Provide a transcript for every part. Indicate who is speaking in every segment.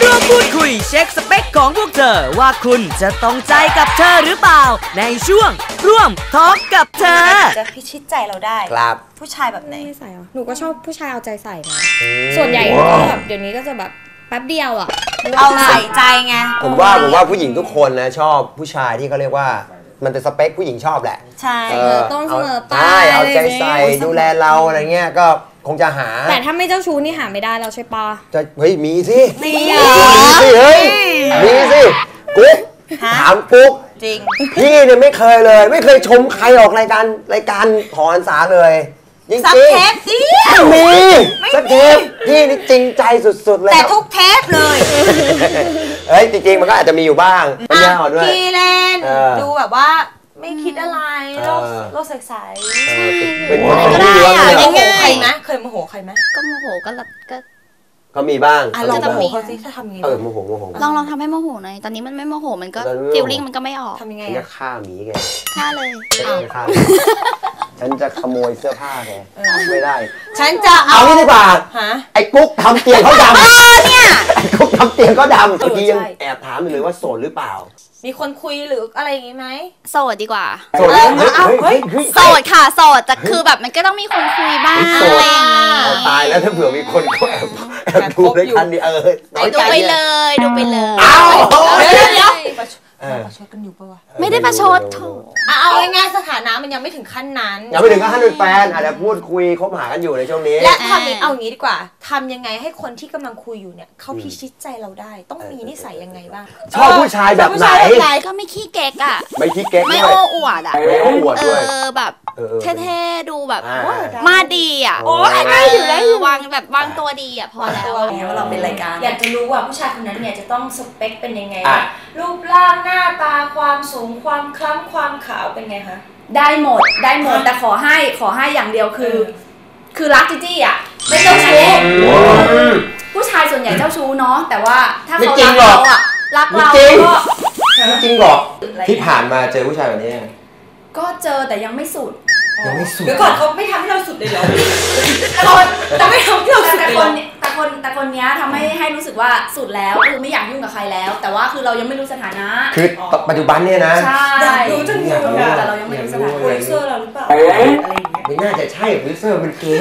Speaker 1: ร่วมพูดคุยเช็คสเปคของพวกเธอว่าคุณจะตรงใจกับเธอหรือเปล่าในช่วงร่วมทอล์กกับเธอ
Speaker 2: จะพิชิตใจเราได้
Speaker 3: ครับ
Speaker 2: ผู้ชายแบบไหน
Speaker 4: ใส่เหรอหนูก็ชอบผู้ชายเอาใจใส่นะส่วนใหญ่ก็แบบเดี๋ยวนี้ก็จะแบบแป๊บเดียวอ่ะ
Speaker 2: เอาใส่ใจไง
Speaker 3: ผมว่าผู้หญิงทุกคนนะชอบผู้ชายที่เขาเรียกว่ามันเป็นสเปคผู้หญิงชอบแหละ
Speaker 2: ใช่
Speaker 4: ต้นเสมอไป
Speaker 3: เอาใจใส่ดูแลเราอะไรเงี้ยก็คงจะหา
Speaker 4: แต่ถ้าไม่เจ้าชู้นี่หาไม่ได้แล้วใช่ปะ
Speaker 3: จะเฮ้ยมีสิ
Speaker 2: มี
Speaker 3: สิเฮ้ยมีสิกุ๊กถามกุ๊ก
Speaker 2: จริง
Speaker 3: พี่เนี่ยไม่เคยเลยไม่เคยชมใครออกรายการหอหันษาเลยจริง
Speaker 2: ๆเทป
Speaker 3: มีสักเทปพี่นี่จริงใจสุดๆเลย
Speaker 2: แต่ทุกเทปเลย
Speaker 3: เฮ้ยจริงๆมันก็อาจจะมีอยู่บ้างไม่ยากด้วย
Speaker 2: พี่เล่นดูแบบว่าไม่คิดอะไรโลกใสๆ
Speaker 3: เป็น
Speaker 2: ได้อะง่ายๆนะเคยโมโหใครไหม
Speaker 5: ก็โมโห
Speaker 3: ก็มีบ้าง
Speaker 2: ลองโมโหเขาสิถ้าทำยังไง
Speaker 3: โมโห
Speaker 5: ลองทำให้โมโหหน่อยตอนนี้มันไม่โมโหมันก็ฟีลลิ่งมันก็ไม่ออก
Speaker 2: ทำยังไง
Speaker 3: จะฆ่าหมีแก
Speaker 5: ฆ่าเลย
Speaker 3: ฉันจะขโมยเสื้อผ้าแกไม่ได้
Speaker 2: ฉันจะ
Speaker 3: เอานี่ดีกว่าไอ้กุ๊กทำเตียงเขาดำ
Speaker 2: เนี่ย
Speaker 3: ไอ้กุ๊กทำเตียงเขาดำเมื่อกี้ยังแอบถามอยู่เลยว่าโสดหรือเปล่า
Speaker 2: มีคนคุยหรืออะไรอย่างงี้ไหม
Speaker 5: โสดดีกว่า
Speaker 3: โสด
Speaker 5: โสดค่ะโสดแต่คือแบบมันก็ต้องมีคนคุยบ้างอะไรอย่างงี้
Speaker 3: ตายแล้วถ้าเผื่อมีคนก็แอบดูในคันนี้
Speaker 5: ดูไปเลย
Speaker 2: เดี๋ยวประชดกันอยู่ปะวะ
Speaker 5: ไม่ได้ประชดโถ
Speaker 2: เอาง่ายๆสถานะมันยังไม่ถึงขั้นนั้น
Speaker 3: ยังไม่ถึงขั้นเป็นแฟนอาจจะพูดคุยคบหากันอยู่ในช่วงนี้
Speaker 2: และทำนี้เอางี้ดีกว่าทำยังไงให้คนที่กำลังคุยอยู่เนี่ยเขาพิชิตใจเราได้ต้องมีนิสัยยังไงบ้าง
Speaker 3: ชอบผู้ชายแบบไหน
Speaker 5: ก็ไม่ขี้เก๊กอ่ะ
Speaker 3: ไม่ขี้เก๊ก
Speaker 5: ไม่โอ้อวดอ่ะ
Speaker 3: ไม่โอ้อวดด้วย
Speaker 5: แบบเท่ๆดูแบบมาดีอ่ะ
Speaker 2: โอ้ยง่ายอยู่แล้ว
Speaker 5: วางตัวดีอ่ะพอแล้ว
Speaker 2: ว่าเราเป็นรายการอยากจะรู้ว่าผู้ชายคนนั้นเนี่ยจะต้องสเปคเป็นยังไงรูปร่างหน้าตาความสูงความคล้ำความขาวเป็นไงคะ
Speaker 4: ได้หมดแต่ขอให้อย่างเดียวคือรักจี้อ่ะไม่เจ้าชู้ผู้ชายส่วนใหญ่เจ้าชู้เนาะแต่ว่าถ้าเขารักเราอ่ะรักเราก็
Speaker 3: จริงหรอที่ผ่านมาเจอผู้ชายแบบนี้
Speaker 4: ก็เจอแต่ยังไม่สุด
Speaker 2: เดี๋ยวก่อนเขาไม่ทำให้เราสุดเลยเหรอแต่ไม่ทำให้เราสุดเลย
Speaker 4: แต่คนนี้ทำให้รู้สึกว่าสุดแล้วคือไม่อยากยุ่งกับใครแล้วแต่ว่าคือเรายังไม่รู้สถานะ
Speaker 3: คือปัจจุบันเนี่ยนะ
Speaker 4: ใช่
Speaker 2: รู้จนรู้
Speaker 4: แต่เรายังไม่รู้สถานะ
Speaker 2: โปรดิวเซอร์เราหรือเปล่าอะไรอย่างเงี้ย
Speaker 3: ไม่น่าจะใช่โปรดิวเซอร์มันเก๋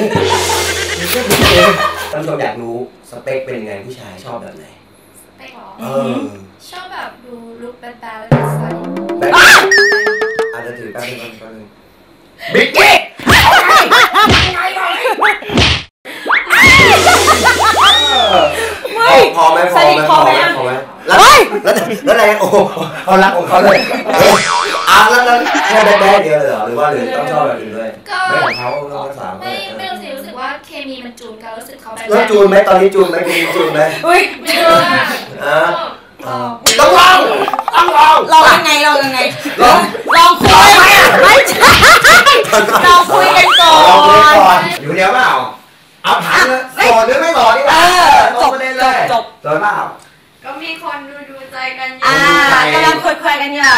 Speaker 3: ท่านผู้ชมอยากรู้สเปคเป็นยังไงผู้ชายชอบแบบไหน
Speaker 5: สเปคหรอชอบแบบดูลุคแบดแล้วใส่
Speaker 3: อาจจะถือแป๊บนึงบิ๊กกี้พอไหมแล้วอะไรโอ้เขารักของเขาเลยแล้วแค่ได้เดียวเลยเหรอหรือว่าหรือต้องชอบแบบอื่นด้วยไม่ของเขาต้องสาม
Speaker 5: ไม่รู้สึกว่าเคมีมันจูนกันรู้สึกเขาแบบ
Speaker 3: แล้วจูนไหมตอนนี้จูนไหมจูนไหม
Speaker 2: อุ้ย
Speaker 3: ต้องลอง
Speaker 2: ยังไงลองคุยไหมไม่ใช่เราคุยกันก่อน
Speaker 3: อยู่เดียวเปล่าเอาถามเลยโสดหรือไม่โสดนี่แหละจบประเด็นเลยจบเปล่า
Speaker 5: ก็มีคนดูใจกันอยู่
Speaker 2: กำลังคุยกันอยู่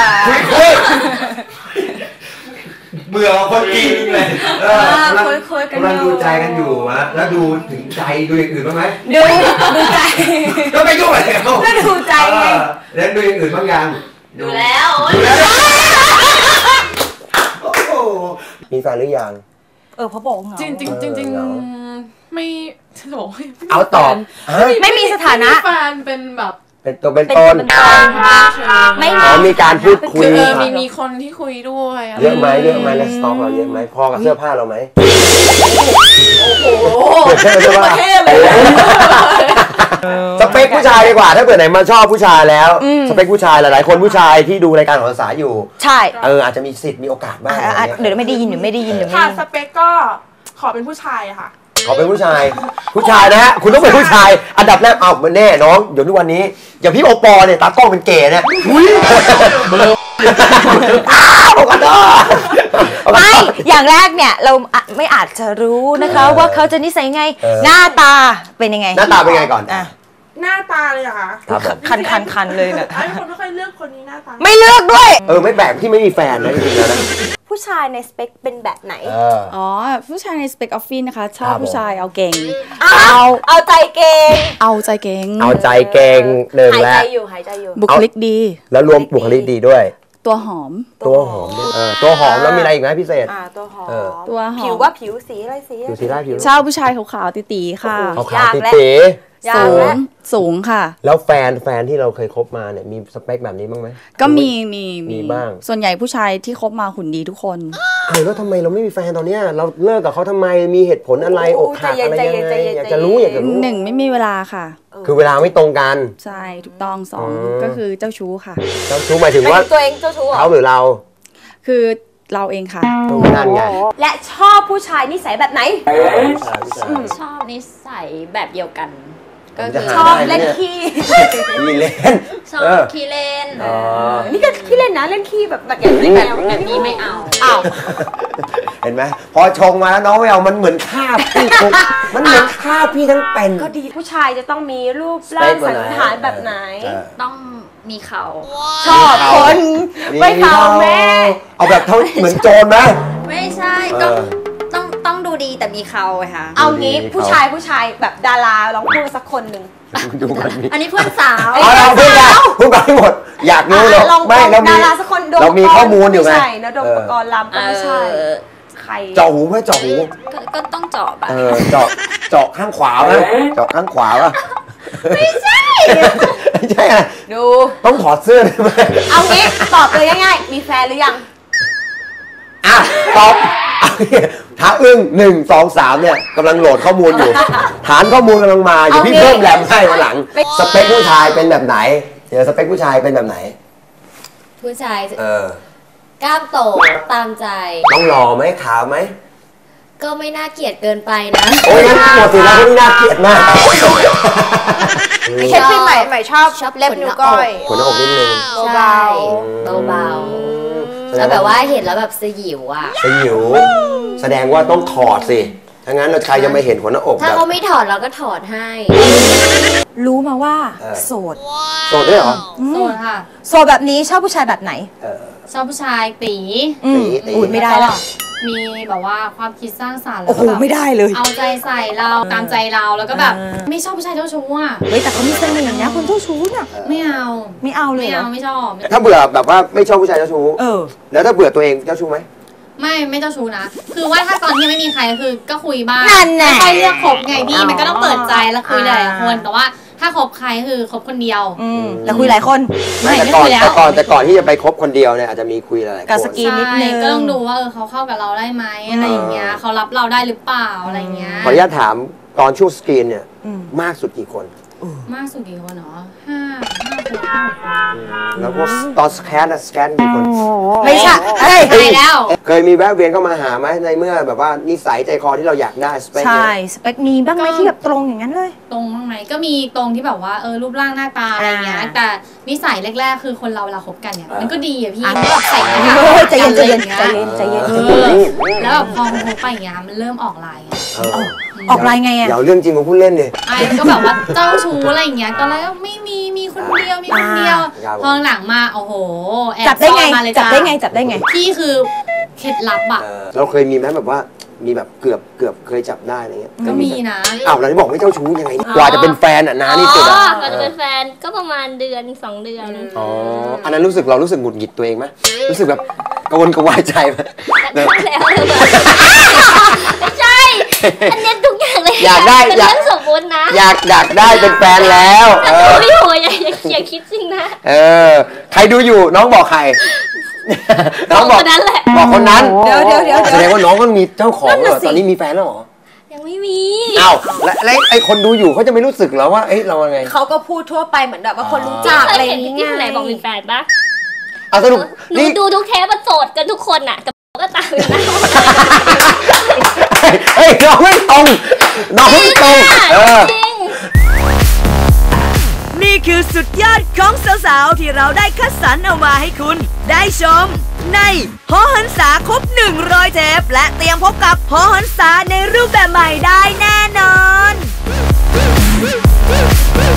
Speaker 3: เบื่อคนจริงเลย
Speaker 2: คุยกัน
Speaker 3: กำลังดูใจกันอยู่นะแล้วดูถึงใจดูอย่างอื่นบ้างไหม
Speaker 2: ดูใจ
Speaker 3: ก็ไม่ยุ่งอะไรเขา
Speaker 2: ก็ดูใจไง
Speaker 3: แล้วดูอย่างอื่นบ้างยัง
Speaker 5: ดูแล้ว
Speaker 3: มีแฟนหรือยัง
Speaker 2: เขาบอกเหงา
Speaker 4: จริงไม่
Speaker 3: เอาตอบ
Speaker 2: ไม่มีสถานะ
Speaker 4: แฟนเป็นแบบ
Speaker 3: เป็นตัวเป็นต้นไม่มีการพูดคุย
Speaker 4: มีคนที่คุยด้วย
Speaker 3: เยอะไหมแล้วสต็อกเราเยอะไหมพอกับเสื้อผ้าเราไหม
Speaker 2: โอ้โหเท่เลย
Speaker 3: สเปคผู้ชายดีกว่าถ้าเกิดไหนมาชอบผู้ชายแล้วสเปคผู้ชายหลายๆคนผู้ชายที่ดูรายการของภาษาอยู่
Speaker 2: ใช่
Speaker 3: อาจจะมีสิทธิ์มีโอกาสบ้าง
Speaker 2: เดี๋ยวไม่ได้ยิน
Speaker 4: ค่ะสเปคก็ขอเป็นผู้ชายค่ะ
Speaker 3: ขอเป็นผู้ชายนะฮะคุณต้องเป็นผู้ชายอันดับแรกเอาแน่น้องเดี๋ยวทุกวันนี้อย่างพี่โอปอเนี่ยตากล้องเป็นเก๋เนี่ย
Speaker 2: ไม่อย่างแรกเนี่ยเราไม่อาจจะรู้นะคะว่าเขาจะนิสัยไงหน้าตาเป็นยังไง
Speaker 3: หน้าตาเป็นไงก่อน
Speaker 4: หน้าตาเลยเหรอคะ
Speaker 2: คันเลยเนี่ย
Speaker 4: ไอ้คนไม่ค่อยเลือกคนนี้หน้าตา
Speaker 2: ไม่เลือกด้วย
Speaker 3: ไม่แปลกที่ไม่มีแฟนนะจริงๆแล้วนะ
Speaker 2: ผู้ผู้ชายในสเปคเป็นแบบไหน
Speaker 4: อ๋อผู้ชายในสเปคออฟฟิศนะคะชอบผู้ชายเอาเก่ง
Speaker 2: เอาใจเก่ง
Speaker 4: เอาใจเก่ง
Speaker 3: เอาใจเก่งหนึ่งแล้ว
Speaker 2: หายใจอยู่
Speaker 4: บุคลิกดี
Speaker 3: แล้วรวมบุคลิกดีด้วย
Speaker 4: ตัวหอม
Speaker 3: ตัวหอมตัวหอมแล้วมีอะไรอีกไหมพิเศษ
Speaker 2: ตัวหอม
Speaker 4: ผิ
Speaker 2: วว่าผิวสีอะไรสี
Speaker 4: ชอบผู้ชายขาวๆตี๋ๆค่ะ
Speaker 3: ขาวๆตี๋
Speaker 4: สูงค่ะ
Speaker 3: แล้วแฟนที่เราเคยคบมาเนี่ยมีสเปคแบบนี้บ้างไหม
Speaker 4: ก็มี
Speaker 3: บ้าง
Speaker 4: ส่วนใหญ่ผู้ชายที่คบมาหุ่นดีทุกคน
Speaker 3: แล้วทำไมเราไม่มีแฟนตอนเนี้ยเราเลิกกับเขาทำไมมีเหตุผลอะไรอกหักอะไรยังไงอยากจะรู้
Speaker 4: หนึ่งไม่มีเวลาค่ะ
Speaker 3: คือเวลาไม่ตรงกัน
Speaker 4: ใช่ถูกต้องสองก็คือเจ้าชู้ค่ะ
Speaker 3: เจ้าชู้หมายถึงว่า
Speaker 2: ตัวเองเจ้าชู้
Speaker 3: เขาหรือเรา
Speaker 4: คือเราเองค่ะ
Speaker 3: นั่นไง
Speaker 2: และชอบผู้ชายนิสัยแบบไหน
Speaker 5: ชอบนิสัยแบบเดียวกัน
Speaker 2: ก็ชอบเล่นขี้
Speaker 3: เล่น
Speaker 5: ชอบขี้เล่น
Speaker 2: นี่ก็ขี้เล่นนะเล่นขี้แบบอย่างนี้
Speaker 5: แบบนี้ไม่เอา
Speaker 3: เห็นไหมพอชงมาแล้วน้องไม่เอามันเหมือนฆ่าพี่มันเหมือนฆ่าพี่ทั้งเป็น
Speaker 2: ก็ดีผู้ชายจะต้องมีรูปร่างสันฐานแบบไหน
Speaker 5: ต้องมีเขา
Speaker 2: ชอบคนไม่เขาแม่
Speaker 3: เอาแบบเขาเหมือนโจรไหม
Speaker 5: ไม่ใช่ก็ต้องดูดีแต่มีเขาค่ะ
Speaker 2: เอางี้ผู้ชายแบบดาราลองพูดสักคนหนึ่ง
Speaker 5: อันนี้เพื่อนสาว
Speaker 3: เราพูดไปหมดอยากรู้เลยไม่
Speaker 2: ดาราสักคน
Speaker 3: เรามีข้อมูลอยู่ไง
Speaker 2: ใช่นะโดมปกรณ์ลำก็ไม่ใช่ใคร
Speaker 3: เจาะหูไหมเจาะหู
Speaker 5: ก็ต้องเจาะป่ะ
Speaker 3: เจาะข้างขวาไหมเจาะข้างขวาป่ะ
Speaker 2: ไม่ใช่
Speaker 3: ไม่ใช่อะไร
Speaker 2: ดู
Speaker 3: ต้องถอดเสื้อได้ไหม
Speaker 2: เอางี้ตอบเลยง่ายๆมีแฟนหรือยัง
Speaker 3: ตอบถ้าอึ้ง1 2 3เนี่ยกำลังโหลดข้อมูลอยู่ฐานข้อมูลกำลังมาอยู่พี่เพิ่มแรมให้มาหลังสเปคผู้ชายเป็นแบบไหนเดี๋ยวสเปคผู้ชายเป็นแบบไหน
Speaker 5: ผู้ชายกล้ามโตตามใจ
Speaker 3: ต้องหล่อไหมขาวไหม
Speaker 5: ก็ไม่น่าเกลียดเกินไปนะ
Speaker 3: โอ้ยหมดสิแล้วไม่น่าเกลียดมาก
Speaker 2: เช็คพี่ใหม่ชอบเล็บนิ้วก้อย
Speaker 3: ขนหน้าอกนิดนึง
Speaker 5: ใช่เบาแล้วแบบว่าเห็นแล้วแบบสยิวอ่ะ
Speaker 3: สยิวแสดงว่าต้องถอดสิถ้างั้นเราใครจะไม่เห็นขนหน้าอก
Speaker 5: ถ้าเขาไม่ถอดเราก็ถอดให้
Speaker 2: รู้มาว่าโสด
Speaker 3: ด้วยเหรอ
Speaker 5: โสดค่ะ
Speaker 2: โสดแบบนี้ชอบผู้ชายแบบไหน
Speaker 5: ชอบผู้ชายตี
Speaker 2: ไม่ได้หรอ
Speaker 5: มีแบบว่าความคิดสร้างสรรค์แล้
Speaker 2: วก็แบบไม่ได้เลย
Speaker 5: เอาใจใส่เราตามใจเราแล้วก็แบบไม่ชอบผู้ชายเจ้าชู้อ่ะ
Speaker 2: เฮ้ยแต่เขามีเสน่ห์นะคนเจ้าชู้น่ะ
Speaker 5: ไม่เอา
Speaker 2: เลย
Speaker 5: ไม่ชอบ
Speaker 3: ถ้าเบื่อแบบว่าไม่ชอบผู้ชายเจ้าชู้แล้วถ้าเบื่อตัวเองเจ้าชู้ไหม
Speaker 5: ไม่เจ้าชู้นะคือว่าถ้าตอนที่ไม่มีใครคือก็คุยบ้างไม่ค่อยเลือกคบไงพี่มันก็ต้องเปิดใจแล้วคุยหลายคนแต่ว่าถ้าคบใครคือคบคนเดียว
Speaker 2: แต่คุยหลายคน
Speaker 3: แต่ก่อนที่จะไปคบคนเดียวเนี่ยอาจจะมีคุยหลายคน
Speaker 2: กับสกีนนิดนึง
Speaker 5: ก็ต้องดูว่าเขาเข้ากับเราได้ไหมอะไรอย่างเงี้ยเขารับเราได้หรือเปล่าอะไรเงี้ย
Speaker 3: ขออนุญาตถามตอนช่วงสกรีนเนี่ยมากสุดกี่คน
Speaker 5: มากสุดกี่คนเนาะ
Speaker 3: แล้วก็ตอนสแกนกี่คน
Speaker 2: ไม่ใช่
Speaker 5: แล้ว
Speaker 3: เคยมีแวะเวียนเข้ามาหาไหมในเมื่อแบบว่านิสัยใจคอที่เราอยากได้สเปค
Speaker 2: ใช่สเปคมีบ้างไหมที่แบบตรงอย่างนั้นเลย
Speaker 5: ตรงบ้างไหมก็มีตรงที่แบบว่ารูปร่างหน้าตาอะไรเงี้ยแต่นิสัยแรกๆคือคนเราเวลาคบกันเนี่ยมันก็ดีอะพี่แบบใส่
Speaker 2: ใจเย็น
Speaker 5: แล้วแบบพอคบไปอย่างเงี้ยมันเริ่มออกลาย
Speaker 2: ออกลายไงอะ
Speaker 3: เดี๋ยวเรื่องจริงมาพูดเล่นเลย
Speaker 5: ก็แบบว่าเจ้าชู้อะไรอย่างเงี้ยตอนแรกก็ไม่มีคนเดียวพอหลังมาโอ้โห
Speaker 2: จับได้ไงพี่
Speaker 5: คือเคล็ดลับอะ
Speaker 3: เราเคยมีไหมแบบว่ามีแบบเกือบเคยจับได้อะไรเงี้ย
Speaker 5: ก็มีนะ
Speaker 3: เราที่บอกไม่เจ้าชู้ยังไงกว่าจะเป็นแฟนอ่ะนะนี่สุด
Speaker 5: กว่าจะเป็นแฟนก็ประมาณเดือน2 เดือน
Speaker 3: อันนั้นเรารู้สึกหงุดหงิดตัวเองไหมรู้สึกแบบกระวนกระวายใจไหม
Speaker 5: แล้วไม่ใช่อันนี้ทุกอย่างเลย
Speaker 3: อยากได้
Speaker 5: เป็นเรื่องสมมตินะ
Speaker 3: อยากได้เป็นแฟนแล้ว
Speaker 5: ไม่โหอย่าคิดจริงนะ
Speaker 3: ใครดูอยู่น้องบอกใครน้องบอก
Speaker 5: คนนั้นแหละ
Speaker 3: บอกคนนั้น
Speaker 2: เดี๋ยว
Speaker 3: แสดงว่าน้องก็มีเจ้าของแล้วตอนนี้มีแฟนแล้วหรอ
Speaker 5: ยังไม่มี
Speaker 3: แล้วไอ้คนดูอยู่เขาจะไม่รู้สึกแล้วว่าเราไง
Speaker 2: เขาก็พูดทั่วไปเหมือนแบบว่าคนรู้จักอะไรอย่างเงี้ย
Speaker 5: ที่ไหนบอกมีแฟนปะ
Speaker 3: สรุป
Speaker 5: นี่ดูทุกเทปมันโสดกันทุกคนน่ะแต่ก็ตามอยู่นะ
Speaker 3: น้องไม่ตรง
Speaker 1: จริงนี่คือสุดยอดของสาวๆที่เราได้คัดสรรเอามาให้คุณได้ชมในหอหันษาครบ100 เทปและเตรียมพบกับหอหันษาในรูปแบบใหม่ได้แน่นอน